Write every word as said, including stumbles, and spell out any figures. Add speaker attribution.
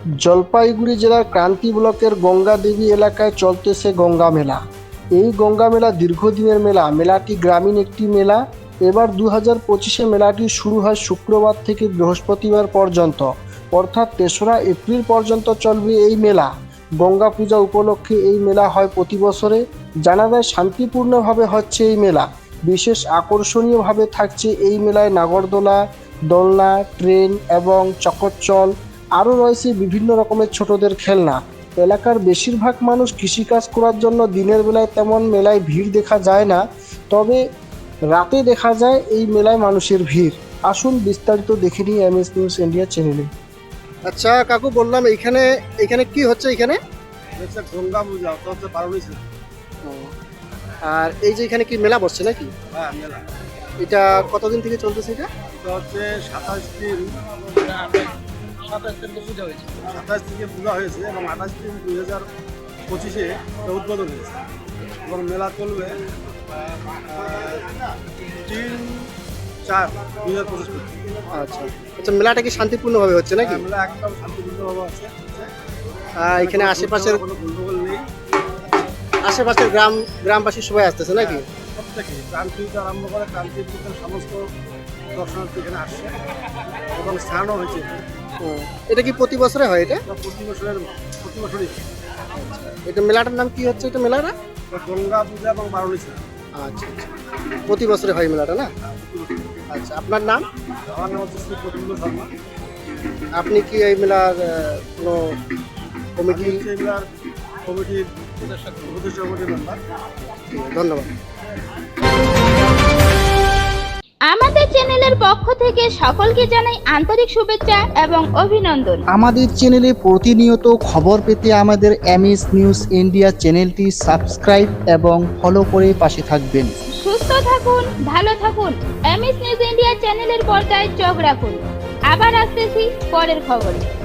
Speaker 1: জলপাইগুড়ি জেলার ক্রান্তি ব্লকের গঙ্গা দেবী এলাকায় চলতেছে গঙ্গা মেলা। এই গঙ্গা মেলা দীর্ঘদিনের মেলা। মেলাটি গ্রামীণ একটি মেলা। এবার দু হাজার পঁচিশে মেলাটি শুরু হয় শুক্রবার থেকে বৃহস্পতিবার পর্যন্ত, অর্থাৎ তেসরা এপ্রিল পর্যন্ত চলবে এই মেলা। গঙ্গা পূজা উপলক্ষে এই মেলা হয় প্রতি বছরে। জানা যায় শান্তিপূর্ণভাবে হচ্ছে এই মেলা। বিশেষ আকর্ষণীয়ভাবে থাকছে এই মেলায় নাগরদোলা, দোলনা, ট্রেন এবং চকরচল। আরও রয়েছে বিভিন্ন রকমের ছোটদের খেলনা। এলাকার বেশিরভাগ মানুষ কৃষিকাজ করার জন্য দিনের বেলায় তেমন মেলায় ভিড় দেখা যায় না, তবে রাতে দেখা যায় এই মেলায় মানুষের ভিড়। আসুন বিস্তারিত দেখে নিই এম এস নিউজ ইন্ডিয়া চ্যানেলে। আচ্ছা কাকু, বললাম এইখানে এখানে কি হচ্ছে? এখানে
Speaker 2: গঙ্গা পূজা হচ্ছে বারোই।
Speaker 1: আর এই যে এখানে কি মেলা বসছে নাকি?
Speaker 2: হ্যাঁ, মেলা।
Speaker 1: এটা কতদিন থেকে চলতেছে? এটা
Speaker 2: এটা হচ্ছে সাতাশ দিন সাতাশ থেকে পূজা হয়েছে সাতাশ থেকে পূজা হয়েছে এবং আঠাশ দিন দুই হাজার পঁচিশে উদ্বোধন হয়েছে এবং মেলা চলবে তিন চার দুই হাজার পঁচিশ পর্যন্ত।
Speaker 1: আচ্ছা আচ্ছা, মেলাটা কি শান্তিপূর্ণভাবে হচ্ছে নাকি?
Speaker 2: মেলা একদম শান্তিপূর্ণভাবে আছে।
Speaker 1: আহ, এখানে আশেপাশের
Speaker 2: কোনো গন্ডগোল নেই।
Speaker 1: আশেপাশের গ্রাম গ্রামবাসী সবাই আসতেছে নাকি?
Speaker 2: প্রত্যেকে ক্রান্তি থেকে আরম্ভ করে ক্রান্তির পূজার সমস্ত দর্শনার্থী এখানে আসছে এবং স্থানও হয়েছে।
Speaker 1: ও, এটা কি প্রতি বছরে হয়? এটা
Speaker 2: এটা প্রতি বছরের প্রতি বছরই
Speaker 1: এটা মেলাটার নাম কি হচ্ছে? এটা মেলাটা
Speaker 2: গঙ্গা পূজা এবং বারোই।
Speaker 1: আচ্ছা আচ্ছা, প্রতি বছরে হয় মেলাটা না? আচ্ছা, আপনার নাম?
Speaker 2: আমার নাম হচ্ছে শ্রী প্রফুল্ল শর্মা।
Speaker 1: আপনি কি এই মেলার আহ, কোনো কমিটি?
Speaker 2: আমি হচ্ছে এগুলার কমিটির উপদেষ্টা কমিটির মেম্বার।
Speaker 1: ধন্যবাদ।
Speaker 3: আমাদের চ্যানেলের পক্ষ থেকে সকলকে জানাই আন্তরিক শুভেচ্ছা এবং অভিনন্দন।
Speaker 4: আমাদের চ্যানেলে প্রতিনিয়ত খবর পেতে আমাদের এম এস নিউজ ইন্ডিয়া চ্যানেলটি সাবস্ক্রাইব এবং ফলো করে পাশে থাকবেন।
Speaker 3: সুস্থ থাকুন, ভালো থাকুন। এম এস নিউজ ইন্ডিয়া চ্যানেলের পর্দায় চোখ রাখুন। আবার আসতেছি পরের খবরে।